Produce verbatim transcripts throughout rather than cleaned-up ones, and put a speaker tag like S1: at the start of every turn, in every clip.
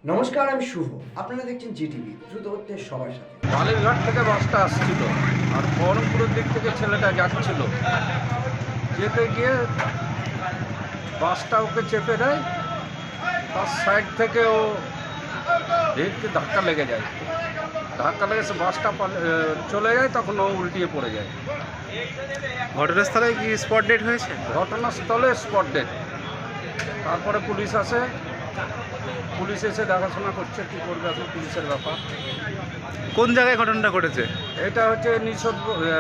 S1: নমস্কার, আমি শুভ। আপনারা দেখছেন জিটিভি, দ্রুত হচ্ছে সবার সাথে।
S2: বালুরঘাট থেকে বাসটা আসছিল আর বহরমপুরের দিক থেকে ছেলেটা যাচ্ছিল, যেতে গিয়ে বাসটা ওকে চেপে দেয়, তার সাইড থেকে ও ভিড়কে ধাক্কা লেগে যায়। ধাক্কা লেগে সে বাসটা পাল- এ, চলে যায়, তখন ও উল্টিয়ে পড়ে যায়।
S3: ঘটনাস্থলে কি স্পট ডেট হয়েছে?
S2: ঘটনাস্থলে স্পট ডেট। তারপরে পুলিশ আসে, পুলিশ এসে দেখাশোনা করছে, কী করবে এখন পুলিশের ব্যাপার।
S3: কোন জায়গায় ঘটনাটা ঘটেছে?
S2: এটা হচ্ছে নিষদ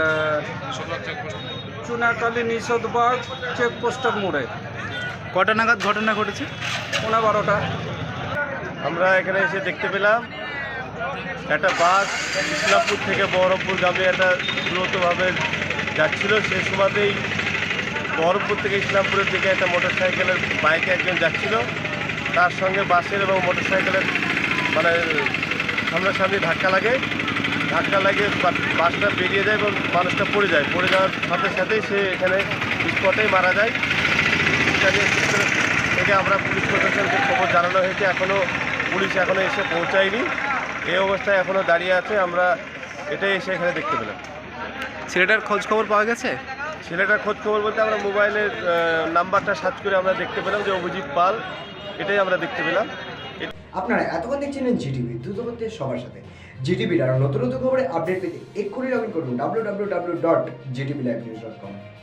S2: চুনাকালী নিষদবাগ চেকপোস্টের মোড়ে,
S3: কটা নাগাদ ঘটনা ঘটেছে?
S2: পৌনে বারোটা।
S4: আমরা এখানে এসে দেখতে পেলাম একটা বাস ইসলামপুর থেকে বহরমপুরগামী একটা দ্রুতভাবে যাচ্ছিল। সেই সময়তেই বহরমপুর থেকে ইসলামপুরের দিকে একটা মোটর সাইকেলের বাইকে একজন যাচ্ছিল, তার সঙ্গে বাসের এবং মোটর সাইকেলের মানে সামনাসামনি ধাক্কা লাগে। ধাক্কা লাগে বা- বাসটা বেরিয়ে যায় এবং মানুষটা পড়ে যায়। পড়ে যাওয়ার সাথে সাথেই সে এখানে স্পটেই মারা যায়। ইত্যাদি সূত্র থেকে আমরা পুলিশ প্রশাসনকে খবর জানানো হয়েছে, এখনও পুলিশ এখনও এসে পৌঁছায়নি। এই অবস্থায় এখনও দাঁড়িয়ে আছে। আমরা এটাই এসে এখানে দেখতে পেলাম।
S3: ছেলেটার খোঁজ খবর পাওয়া গেছে?
S4: ছেলেটার খোঁজ খবর বলতে আমরা মোবাইলের আহ, নাম্বারটা সার্চ করে আমরা দেখতে পেলাম যে অভিজিৎ পাল, এটাই আমরা দেখতে পেলাম।
S1: আপনারা এতক্ষণ দেখছিলেন জিটিভি, দ্রুত হচ্ছে সবার সাথে। জিটিভির আরও নতুন নতুন খবরে আপডেট পেতে এক্ষুনি লগ ইন করুন W W W dot GTV live news dot কম।